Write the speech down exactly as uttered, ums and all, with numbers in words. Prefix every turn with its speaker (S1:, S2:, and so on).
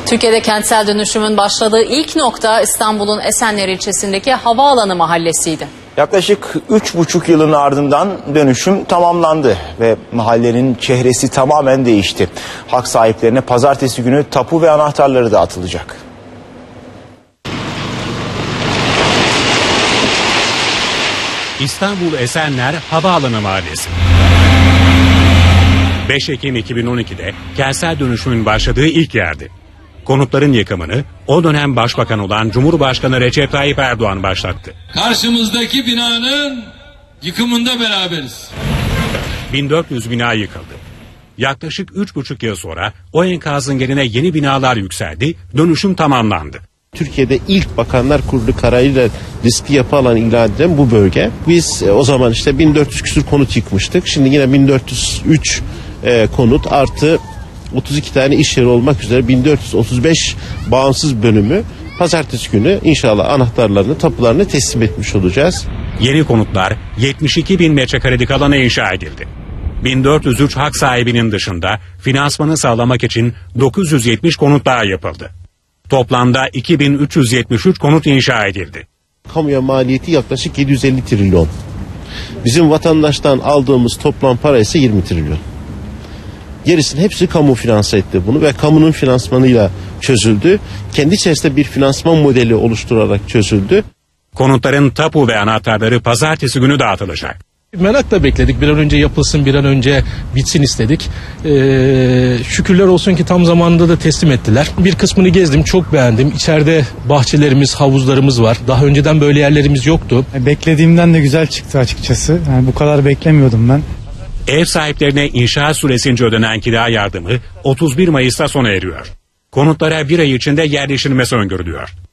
S1: Türkiye'de kentsel dönüşümün başladığı ilk nokta İstanbul'un Esenler ilçesindeki Havaalanı mahallesiydi.
S2: Yaklaşık üç buçuk yılın ardından dönüşüm tamamlandı ve mahallenin çehresi tamamen değişti. Hak sahiplerine pazartesi günü tapu ve anahtarları dağıtılacak.
S3: İstanbul Esenler Havaalanı Mahallesi. beş Ekim iki bin on iki'de kentsel dönüşümün başladığı ilk yerdi. Konutların yıkımını o dönem başbakan olan Cumhurbaşkanı Recep Tayyip Erdoğan başlattı.
S4: Karşımızdaki binanın yıkımında beraberiz.
S3: bin dört yüz bina yıkıldı. Yaklaşık üç buçuk yıl sonra o enkazın yerine yeni binalar yükseldi, dönüşüm tamamlandı.
S5: Türkiye'de ilk Bakanlar Kurulu kararıyla riskli yapı alanı ilan edilen bu bölge. Biz e, o zaman işte bin dört yüz küsur konut yıkmıştık. Şimdi yine bin dört yüz üç e, konut artı otuz iki tane iş yeri olmak üzere bin dört yüz otuz beş bağımsız bölümü pazartesi günü inşallah anahtarlarını, tapularını teslim etmiş olacağız.
S3: Yeni konutlar yetmiş iki bin metrekarelik alana inşa edildi. bin dört yüz üç hak sahibinin dışında finansmanı sağlamak için dokuz yüz yetmiş konut daha yapıldı. Toplamda iki bin üç yüz yetmiş üç konut inşa edildi.
S5: Kamuya maliyeti yaklaşık yedi yüz elli trilyon. Bizim vatandaştan aldığımız toplam para ise yirmi trilyon. Gerisinin hepsi kamu finanse etti bunu ve kamunun finansmanıyla çözüldü. Kendi içerisinde bir finansman modeli oluşturarak çözüldü.
S3: Konutların tapu ve anahtarları pazartesi günü dağıtılacak.
S6: Merakla bekledik. Bir an önce yapılsın, bir an önce bitsin istedik. Ee, şükürler olsun ki tam zamanında da teslim ettiler. Bir kısmını gezdim, çok beğendim. İçeride bahçelerimiz, havuzlarımız var. Daha önceden böyle yerlerimiz yoktu.
S7: Beklediğimden de güzel çıktı açıkçası. Yani bu kadar beklemiyordum ben.
S3: Ev sahiplerine inşaat süresince ödenen kira yardımı otuz bir Mayıs'ta sona eriyor. Konutlara bir ay içinde yerleşilmesi öngörülüyor.